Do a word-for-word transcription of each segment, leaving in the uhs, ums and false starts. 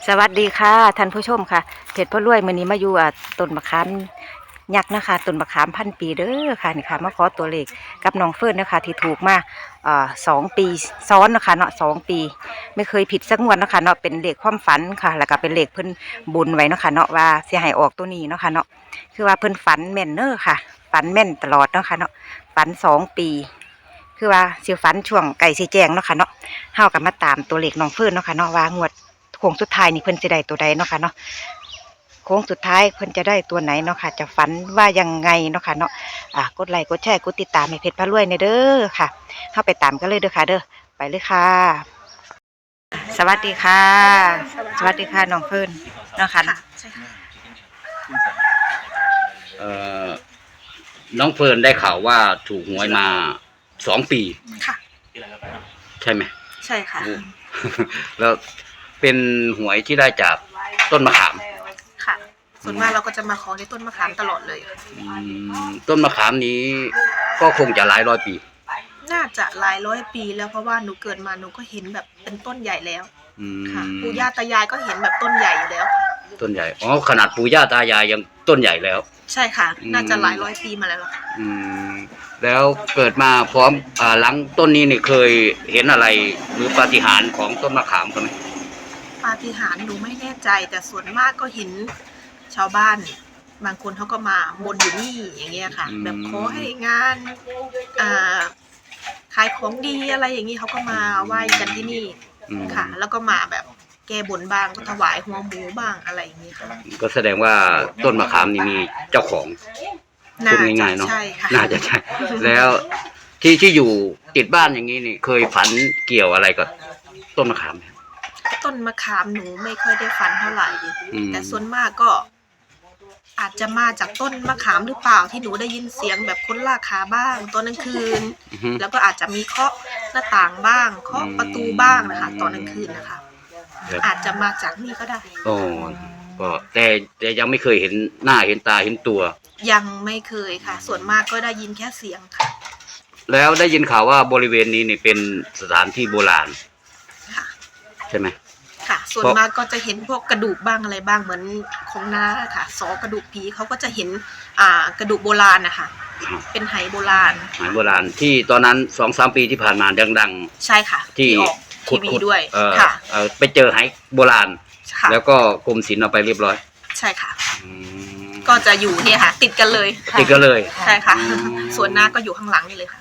สวัสดีค่ะท่านผู้ชมค่ะเพจพ่อรวยมื้อนี้มาอยู่อ่ะต้นมะขามยักษ์นะคะต้นมะขามพันปีเด้อค่ะนี่ค่ะมาขอตัวเลขกับน้องเฟิร์นนะคะที่ถูกมาอ่าสองปีซ้อนนะคะเนาะสองปีไม่เคยผิดสักงวดนะคะเนาะเป็นเลขความฝันค่ะแล้วก็เป็นเลขเพิ่นบุญไว้เนาะค่ะเนาะว่าสิให้ออกตัวนี้เนาะค่ะเนาะคือว่าเพิ่นฝันแม่นเน้อค่ะฝันแม่นตลอดเนาะค่ะเนาะฝันสองปีคือว่าสิฝันช่วงไก่สิแจ้งเนาะค่ะเนาะเฮาก็มาตามตัวเลขน้องเฟิร์นเนาะค่ะเนาะว่างวดโค้งสุดท้ายนี่เพิ่นจะได้ตัวใดเนาะค่ะเนาะโค้งสุดท้ายเพิ่นจะได้ตัวไหนเนาะค่ะจะฝันว่ายังไงเนาะค่ะเนาะอ่ากดไลค์กดแชร์กดติดตามให้เพจพระรวยในเด้อค่ะเข้าไปตามกันเลยเด้อค่ะเด้อไปเลยค่ะสวัสดีค่ะสวัสดีค่ะน้องเฟิร์นเนาะค่ะใช่ค่ะเอ่อน้องเฟิร์นได้ข่าวว่าถูกหวยมาสองปีค่ะใช่ไหมใช่ค่ะแล้วเป็นหวยที่ได้จากต้นมะขามค่ะส่วนมากเราก็จะมาขอที่ต้นมะขามตลอดเลยอืมต้นมะขามนี้ก็คงจะหลายร้อยปีน่าจะหลายร้อยปีแล้วเพราะว่าหนูเกิดมาหนูก็เห็นแบบเป็นต้นใหญ่แล้วค่ะปู่ย่าตายายก็เห็นแบบต้นใหญ่อยู่แล้วต้นใหญ่อ๋อขนาดปู่ย่าตายายยังต้นใหญ่แล้วใช่ค่ะน่าจะหลายร้อยปีมาแล้วค่ะอืมแล้วเกิดมาพร้อมอ่าหลังต้นนี้นี่เคยเห็นอะไรหรือปาฏิหาริย์ของต้นมะขามไหมปาฏิหาริย์หนูไม่แน่ใจแต่ส่วนมากก็เห็นชาวบ้านบางคนเขาก็มาบนอยู่นี่อย่างเงี้ยค่ะแบบขอให้งานอ่าขายของดีอะไรอย่างนี้เขาก็มาไหว้กันที่นี่ค่ะแล้วก็มาแบบแก้บนบ้างก็ถวายหัวหมูบ้างอะไรอย่างนี้ค่ะก็แสดงว่าต้นมะขามนี่มีเจ้าของพูดง่ายๆเนาะน่าจะใช่แล้วที่ที่อยู่ติดบ้านอย่างนี้นี่เคยฝันเกี่ยวอะไรกับต้นมะขามไหมต้นมะขามหนูไม่ค่อยได้ฝันเท่าไหร่แต่ส่วนมากก็อาจจะมาจากต้นมะขามหรือเปล่าที่หนูได้ยินเสียงแบบคนลากขาบ้างตอนกลางคืนแล้วก็อาจจะมีเคาะหน้าต่างบ้างเคาะประตูบ้างนะคะตอนกลางคืนนะคะอาจจะมาจากนี่ก็ได้โอ้ก็แต่แต่ยังไม่เคยเห็นหน้าเห็นตาเห็นตัวยังไม่เคยค่ะส่วนมากก็ได้ยินแค่เสียงค่ะแล้วได้ยินข่าวว่าบริเวณนี้นี่เป็นสถานที่โบราณค่ะใช่ไหมค่ะส่วนมากก็จะเห็นพวกกระดูกบ้างอะไรบ้างเหมือนของน้าค่ะซอกระดูกผีเขาก็จะเห็นอ่ากระดูกโบราณนะคะเป็นไหโบราณไหโบราณที่ตอนนั้นสองสามปีที่ผ่านมาดังๆใช่ค่ะที่ออกทีวีด้วยค่ะไปเจอไหโบราณแล้วก็กรมศิลป์เอาไปเรียบร้อยใช่ค่ะก็จะอยู่เนี่ยค่ะติดกันเลยติดกันเลยใช่ค่ะส่วนหน้าก็อยู่ข้างหลังนี่เลยค่ะ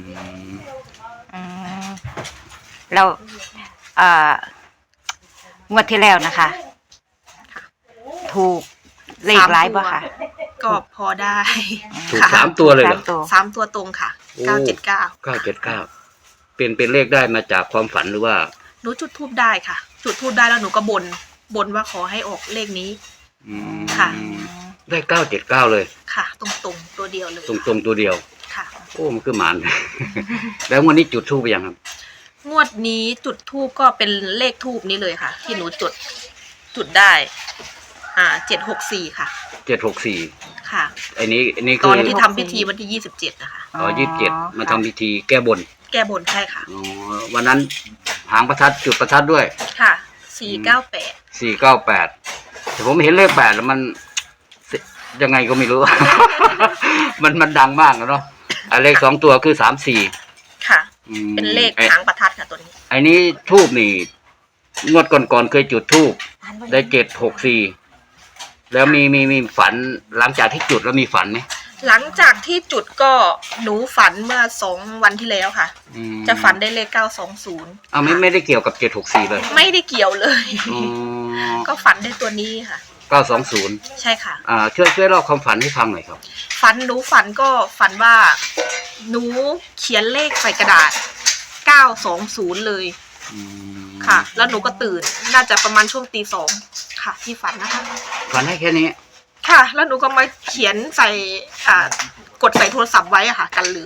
เราเอ่องวดที่แล้วนะคะถูกเลขหลายป่ะค่ะก็พอได้ถูกสามตัวเลยเหรอสามตัวตรงค่ะเก้าเจ็ดเก้าเก้าเจ็ดเก้าเป็นเป็นเลขได้มาจากความฝันหรือว่าหนูจุดทูบได้ค่ะจุดทูบได้แล้วหนูก็บนบนว่าขอให้ออกเลขนี้ค่ะได้เก้าเจ็ดเก้าเลยค่ะตรงตรงตัวเดียวเลยตรงตรงตัวเดียวค่ะโอ้มันคือหมานแล้ววันนี้จุดทูบไปยังครับงวดนี้จุดทูบก็เป็นเลขทูบนี้เลยค่ะที่หนูจุดจุดได้อ่าเจ็ดหกสี่ค่ะเจ็ดหกสี่ค่ะอันนี้อันนี้คือตอนที่ทำพิธีวันที่ยี่สิบเจ็ดนะคะอ๋อยี่สิบเจ็ดมาทำพิธีแก้บนแก้บนใช่ค่ะอ๋อวันนั้นหางประทัดจุดประทัดด้วยค่ะสี่เก้าแปดสี่เก้าแปดแต่ผมเห็นเลขแปดแล้วมันยังไงก็ไม่รู้ มันมันดังมากเนาะเลขสองตัวคือสามสี่ค่ะเป็นเลขหางประทัดค่ะตัวนี้ไอ้นี้ทูบนี่งวดก่อนๆเคยจุดทูบได้เจ็ดหกสี่แล้วมีมีมีฝันหลังจากที่จุดแล้วมีฝันไหมหลังจากที่จุดก็หนูฝันเมื่อสองวันที่แล้วค่ะจะฝันได้เลขเก้าสองศูนย์อ้าวไม่ไม่ได้เกี่ยวกับเจ็ดหกสี่เลยไม่ได้เกี่ยวเลยก็ฝันได้ตัวนี้ค่ะเก้าสองศูนย์ใช่ค่ะอ่าช่วยช่วยเล่าความฝันให้ฟังหน่อยครับฝันหนูฝันก็ฝันว่าหนูเขียนเลขใส่กระดาษเก้าสองศูนย์เลยค่ะแล้วหนูก็ตื่นน่าจะประมาณช่วงตีสองค่ะที่ฝันนะคะฝันให้แค่นี้ค่ะแล้วหนูก็มาเขียนใส่อ่ากดใส่โทรศัพท์ไว้อะค่ะกันลืม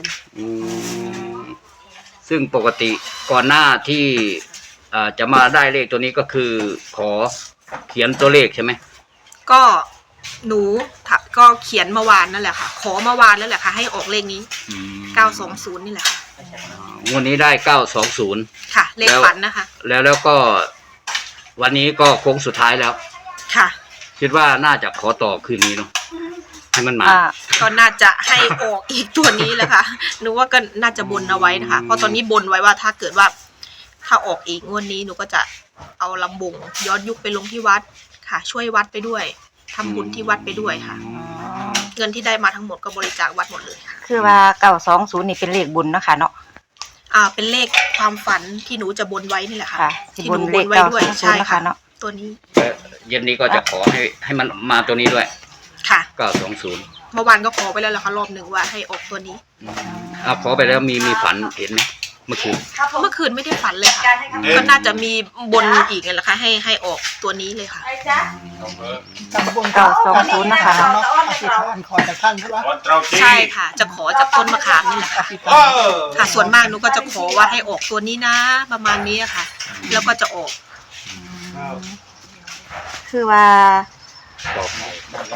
ซึ่งปกติก่อนหน้าที่อ่าจะมาได้เลขตัวนี้ก็คือขอเขียนตัวเลขใช่ไหมก็หนูก็เขียนเมื่อวานนั่นแหละค่ะขอเมื่อวานนั่นแหละค่ะให้ออกเลขนี้เก้าสองศูนย์นี่แหละค่ะวันนี้ได้เก้าสองศูนย์ค่ะเลขฝันนะคะแล้วแล้วก็วันนี้ก็โค้งสุดท้ายแล้วค่ะคิดว่าน่าจะขอต่อคืนนี้เนาะให้มันมาอ่าก็น่าจะให้ออกอีกตัวนี้แหละค่ะหนูว่าก็น่าจะบนเอาไว้นะคะเพราะตอนนี้บนไว้ว่าถ้าเกิดว่าถ้าออกอีกงวดนี้หนูก็จะเอาลำบงย้อนยุคไปลงที่วัดค่ะ ช่วยวัดไปด้วยทำบุญที่วัดไปด้วยค่ะ เงินที่ได้มาทั้งหมดก็บริจาควัดหมดเลยค่ะคือว่าเก้าสองศูนย์นี่เป็นเลขบุญเนาะค่ะเนาะอ่าเป็นเลขความฝันที่หนูจะบนไว้นี่แหละค่ะค่ะที่ที่หบนูนบเลนขไว้เก้าด้วสยองศูนใช่ย์นะคะค่ะเนาะตัวนี้เย็นนี้ก็จะขอให้ให้มันมาตัวนี้ด้วยค่ะเก้าสองศูนย์เมื่อวานก็ขอไปแล้วแหละค่ะรอบหนึ่งว่าให้ออกตัวนี้อ่าขอไปแล้วมีมีฝันเห็นไหมเมื่อคืนเมื่อคืนไม่ได้ฝันเลยค่ะก็น่าจะมีบนอีกนั่นแหละค่ะให้ให้ออกตัวนี้เลยค่ะตำบลเก้าสองศูนย์นะคะเนาะอธิษฐานขอจากท่านใช่ไหมใช่ค่ะ จะขอจากต้นมะขามนี่แหละค่ะอธิษฐานค่ะส่วนมากหนูก็จะขอว่าให้ออกตัวนี้นะ ประมาณนี้ค่ะ แล้วก็จะออกคือว่าบอกให้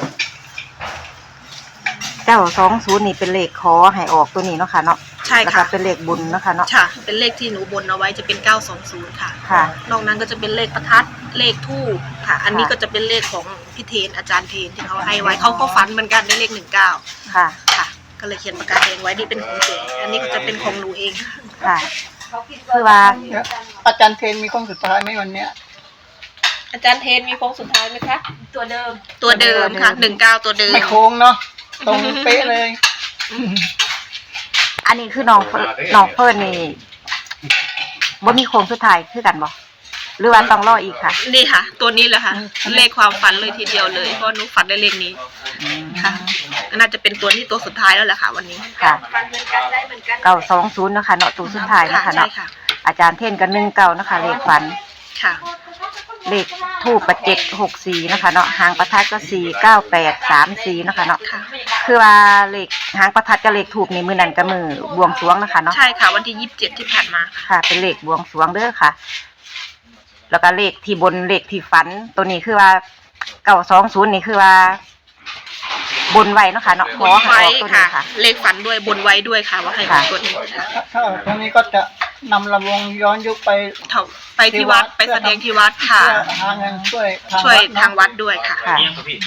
เก้าสองศูนย์นี่เป็นเลขขอให้ออกตัวนี้เนาะค่ะเนาะใช่แล้วก็ค่ะเป็นเลขบุญเนาะค่ะเนาะค่ะ เป็นเลขที่หนูบนเอาไว้จะเป็นเก้าสองศูนย์ค่ะค่ะนอกนั้นก็จะเป็นเลขประทัดเลขทูปค่ะ อันนี้ค่ะก็จะเป็นเลขของพี่เทนอาจารย์เทนที่เขาให้ไว้เขาก็ฝันเหมือนกันได้เลขหนึ่งเก้าค่ะค่ะ ก็เลยเขียนปากกาแดงไว้นี่เป็นของเก๋อันนี้ก็จะเป็นของหนูเองค่ะค่ะ คือว่าเดี๋ยวอาจารย์เทนมีข้องสุดท้ายไหมวันเนี้ยอาจารย์เทนมีโค้งสุดท้ายไหมคะตัวเดิมตัวเดิมค่ะหนึ่งเก้าตัวเดิมไม่โค้งเนาะตรงเป๊ะเลยอันนี้คือน้องเฟิร์นน้องเฟิร์นนี่บ่มีโค้งสุดท้ายคือกันบ่หรือว่าต้องรออีกค่ะนี่ค่ะ ตัวนี้แหละค่ะ เลขความฝันเลยทีเดียวเลยเพราะหนูฝันได้เลขนี้ค่ะน่าจะเป็นตัวนี้ตัวสุดท้ายแล้วแหละค่ะ วันนี้ค่ะฝันเหมือนกันได้เหมือนกันเก้าสองศูนย์นะคะเนาะตัวสุดท้ายค่ะนะคะใช่เนาะค่ะอาจารย์เทนกันหนึ่งเก้านะคะเลขฝันค่ะเลขทูปประเจ็ดหกสี่นะคะเนาะหางประทัดก็สี่เก้าแปดสามสี่นะคะเนาะค่ะคือว่าเลขหางประทัดกับเลขทูปนี่มือนั่นกับมือบวงสรวงนะคะเนาะใช่ค่ะ วันที่ยี่สิบเจ็ดที่ผ่านมาค่ะค่ะ เป็นเลขบวงสรวงเด้อค่ะ แล้วก็เลขที่บนเลขที่ฝันตัวนี้คือว่าเก้าสองศูนย์นี่คือว่า บนไว้เนาะค่ะเนาะขบอน ให้ไว้ออกตัวค่ะนี้ค่ะเลขฝันด้วยบนไว้ด้วยค่ะ ว่าให้ออกตัวนี้ค่ะถ้าตรงนี้ก็จะนำลำวงย้อนยุคไปเท่าไปที่วัดไปแสดงที่วัดค่ะเพื่อหาเงินช่วยทางช่วยวัดเนอะทางวัดด้วยค่ะค่ะ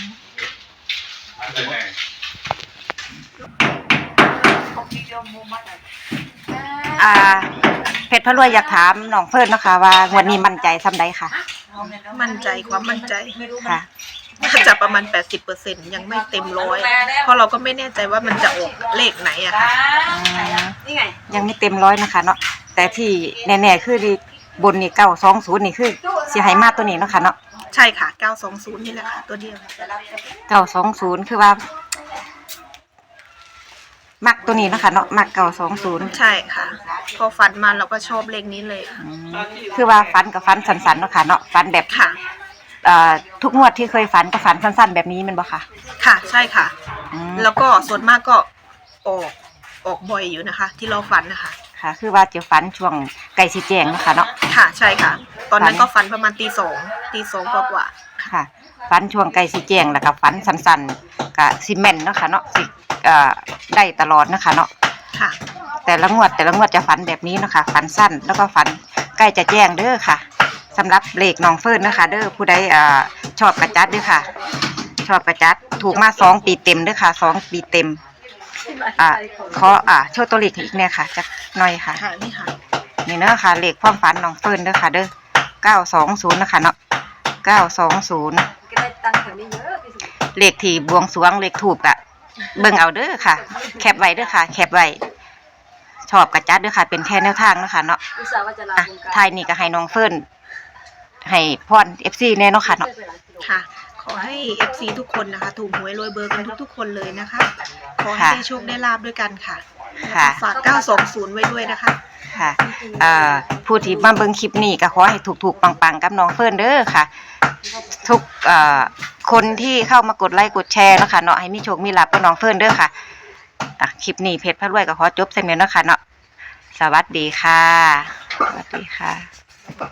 อ่า เพชรพระรวยอยากถามน้องเพิ่นเนาะคะว่างวันนี้มั่นใจซ้ำใดค่ะมั่นใจความมั่นใจค่ะน่าจะประมาณ แปดสิบเปอร์เซ็นต์ ยังไม่เต็มร้อยเพราะเราก็ไม่แน่ใจว่ามันจะออกเลขไหนอะค่ะยังไม่เต็มร้อยนะคะเนาะแต่ที่แน่ๆคือเลขบนนี่เก้าสองศูนย์นี่คือสิให้มาตัวนี้เนาะค่ะเนาะใช่ค่ะ เก้าสองศูนย์ นี่แหละค่ะ ตัวเดียวเก้าสองศูนย์คือว่า มักตัวนี้เนาะค่ะเนาะมักเก้าสองศูนย์ใช่ค่ะ พอฝันมาเราก็ชอบเลขนี้เลยค่ะคือว่าฟันกับฟันสันๆเนาะค่ะเนาะฟันแบบค่ะเอ่อทุกงวดที่เคยฝันก็ฝันสั้นๆแบบนี้แมันบ่ค่ะค่ะ ใช่ค่ะอืมแล้วก็ส่วนมากก็ออกออกบ่อยอยู่นะคะ ที่เราฝันนะคะค่ะ คือว่าจะฝันช่วงไก่สีแจงเนาะค่ะเนาะค่ะ ใช่ค่ะ ตอนนั้นฝันก็ฝันประมาณตีสองตีสองกว่าค่ะฝันช่วงไก่สีแจงแล้วก็ฝันสั้นๆกับซีเมนต์เนาะค่ะเนาะสิเอ่อได้ตลอดเนาะค่ะเนาะๆค่ะแต่ละงวดแต่ละงวดจะฝันแบบนี้เนาะคะฝันสั้นแล้วก็ฝันใกล้จะแจ้งเด้อค่ะสำหรับเลขน้องเฟิร์นนะคะเด้อผู้ใดเอ่อชอบกระจัดเด้อค่ะ ชอบกระจัดถูกมาสองปีเต็มเด้อค่ะสองปีเต็มอ่าขออ่าโชว์ตัวเลขอีกเนี่ยค่ะจักหน่อยค่ะค่ะ นี่ค่ะนี่เนาะค่ะเลขความฝันน้องเฟิร์นเด้อค่ะเด้อเก้าสองศูนย์นะคะเนาะเก้าสองศูนย์เลขที่บวงสรวงเลขถูกอะเบิ่งเอาเด้อค่ะ แคปไว้เด้อค่ะ แคปไว้ชอบกระจัดเด้อค่ะ เป็นแค่แนวทางเนาะค่ะเนาะอ่ะทายนี่ก็ให้น้องเฟิร์นให้พรเอฟซีแน่เนาะค่ะเนาะค่ะ ขอให้ เอฟ ซี ทุกคนนะคะ ถูกหวยรวยเบอร์กันทุกๆคนเลยนะคะ ขอให้ได้โชคได้ลาบด้วยกันค่ะค่ะฝากเก้าสองศูนย์ไว้ด้วยนะคะค่ะเอ่อผู้ที่มาเบิ่งคลิปนี้ก็ขอให้ถูกๆปังๆกับน้องเฟิร์นเด้อค่ะ ทุกเอ่อคนที่เข้ามากดไลค์กดแชร์เนาะค่ะเนาะให้มีโชคมีลาภกับน้องเฟิร์นเด้อค่ะอ่ะคลิปนี้เพจพระรวยก็ขอจบเส้นนี้เนาะค่ะเนาะสวัสดีค่ะสวัสดีค่ะ